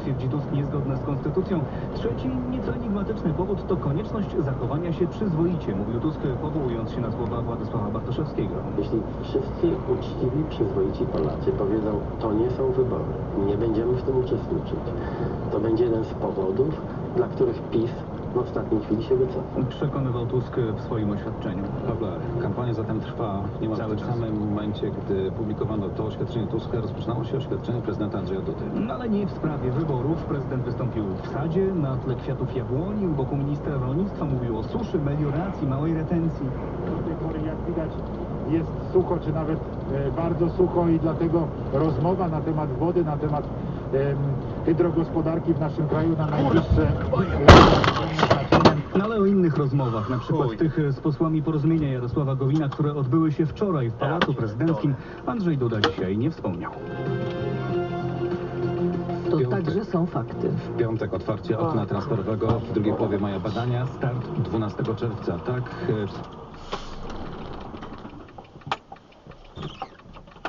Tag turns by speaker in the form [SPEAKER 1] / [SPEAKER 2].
[SPEAKER 1] twierdzi Tusk, niezgodne z konstytucją. Trzeci, nieco enigmatyczny powód to konieczność zachowania się przyzwoicie, mówił Tusk, powołując się na słowa Władysława Bartoszewskiego.
[SPEAKER 2] Jeśli wszyscy uczciwi, przyzwoici Polacy powiedzą, to nie są wybory, nie będziemy w tym uczestniczyć, to będzie jeden z powodów, dla których PiS w ostatniej chwili się wycofa.
[SPEAKER 1] Przekonywał Tusk w swoim oświadczeniu.
[SPEAKER 3] Dobra, kampania zatem trwa. Nie ma
[SPEAKER 1] Cały
[SPEAKER 3] w tym
[SPEAKER 1] czas.
[SPEAKER 3] samym momencie, gdy publikowano to oświadczenie Tuska, rozpoczynało się oświadczenie prezydenta Andrzeja Dudy.
[SPEAKER 1] No ale nie w sprawie wyborów. Prezydent wystąpił w sadzie, na tle kwiatów jabłoni, u boku ministra rolnictwa, mówił o suszy, melioracji, małej retencji.
[SPEAKER 4] Do tej pory, jak widać, jest sucho, czy nawet bardzo sucho i dlatego rozmowa na temat wody, na temat hydrogospodarki w naszym kraju na najbliższe znaczeniem.
[SPEAKER 1] No ale o innych rozmowach, na przykład tych z posłami Porozumienia Jarosława Gowina, które odbyły się wczoraj w Pałacu Prezydenckim, Andrzej Duda dzisiaj nie wspomniał.
[SPEAKER 5] To
[SPEAKER 3] Piątek.
[SPEAKER 5] także są fakty.
[SPEAKER 3] W piątek otwarcie okna transferowego, w drugiej połowie maja badania, start 12 czerwca. Tak,